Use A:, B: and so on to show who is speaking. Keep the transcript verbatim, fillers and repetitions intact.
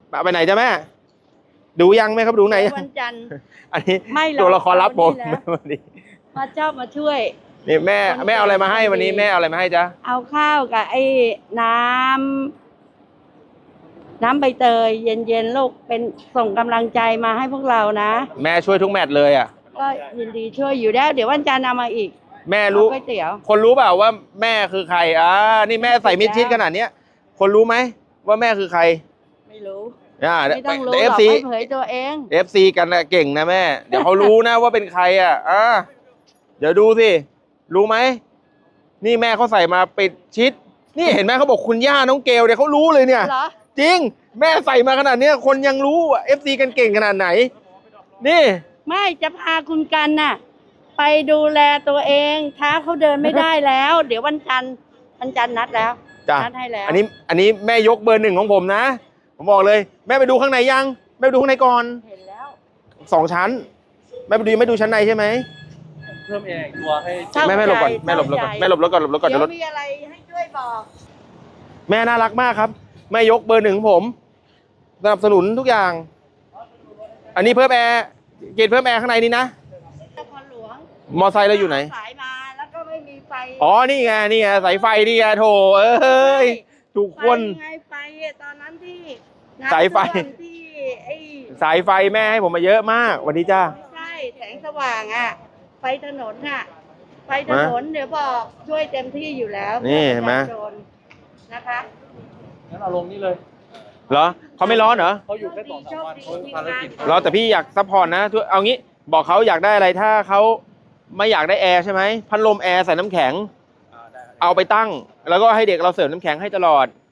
A: ไปไหนจ้ะแม่ดูยังแม่ครับดูไหน
B: วันจันทร์
A: อันนี้
B: ไม่หรอก
A: ตัวละครลับผม
B: เอานี่แหละ
A: วันนี้
B: พระเจ้ามาช่วย
A: นี่แม่แม่เอาอะไรมาให้วันนี้แม่เอาอะไรมาให้จ๊ะ
B: เอาข้าวกับไอ้น้ำน้ำใบเตยเย็นๆลูกเป็นส่งกำลังใจมาให้พวกเรานะ
A: แม่ช่วยทุกแมตช์เลยอ่ะ
B: ก็ยินดีช่วยอยู่แล้วเดี๋ยววันจันทร์เอามาอีก
A: แม่รู้
B: ก๋วยเตี๋ยว
A: คนรู้เปล่าว่าแม่คือใครอ่านี่แม่ใส่มิดชิดขนาดเนี้ยคนรู้ไหมว่าแม่คือใคร
B: ไม่รู้
A: อ่า
B: ไม่ต้องรู้
A: เอ
B: ห
A: ฟ
B: รอก
A: ซี
B: ให้เผยตัวเอง
A: เอฟซีกันนะเก่งนะแม่ เดี๋ยวเขารู้นะว่าเป็นใครอ่ะอ่าเดี๋ยวดูสิรู้ไหมนี่แม่เขาใส่มาปิดชิด นี่เห็นไหมเขาบอกคุณย่าน้องเกลเนี่ยเขารู้เลยเนี่ย
B: เหรอ
A: จริงแม่ใส่มาขนาดเนี้ยคนยังรู้เอฟซีกันเก่งขนาดไหน นี่
B: ไม่จะพาคุณกันน่ะ ไปดูแลตัวเองเท้าเขาเดินไม่ได้แล้ว เดี๋ยววันจันทร์วันจันทร์นัดแล้ว
A: จ้ะ
B: นัดให้แล้ว
A: อันนี้อันนี้แม่ยกเบอร์หนึ่งของผมนะผมบอกเลย แม่ไปดูข้างในยังแม่ไปดูข้างในก่อน
B: เห็นแล้ว
A: สองชั้นแม่ไปดูไม่ดูชั้นในใช่ไหม
C: เพิ่มแอร์อีกตัวให้
B: เศร้า
A: แม่แม่หลบก่อน
B: ใจ
A: แม่หลบรถก่อน
B: เศร้าใจ
A: แม่หลบรถก่อนหลบรถก่อน
B: เดี๋
A: เดี๋
B: ย
A: ยว วรถ
B: มีอะไรให้ช่วยบอก
A: แม่น่ารักมากครับแม่ยกเบอร์หนึ่งของผมสนับสนุนทุกอย่าง อันนี้เพิ่มแอร์เกณฑ์เพิ่มแอร์ข้างในนี่นะ
B: นครหลวง
A: มอไซค์เราอยู่ไหน
B: สายมาแล้วก็ไม่มีไฟ
A: อ๋อนี่ไงนี่ไงสายไฟนี่ไงโถเอ้ยทุกคน
B: ไฟไงไฟตอนนั้นที่
A: สายไฟ
B: น้ำท่วมที่ไอ้
A: สายไฟแม่ให้ผมมาเยอะมากวันนี้จ้า
B: ไม่ใช่แสงสว่างอ่ะ ไฟถนนอ่ะ ไฟถนนเดี๋ยวบอกช่วยเต็มที่อยู่แล้ว
A: นี่เห็นไหม
B: ประชาชนนะคะ
C: งั้นเอาลงนี่เลย
A: เหรอเขาไม่ร้อนเหรอ
C: เขาอยู่แค่สองสามวันเขาภารกิจ
A: เหรอแต่พี่อยากซัพพอร์ตนะทุกเอางี้บอกเขาอยากได้อะไรถ้าเขาไม่อยากได้แอร์ใช่ไหมพัดลมแอร์ใส่น้ำแข็ง
C: อ่าได้ครับ
A: เอาไปตั้ง แล้วก็ให้เด็กเราเสิร์ฟน้ำแข็งให้ตลอด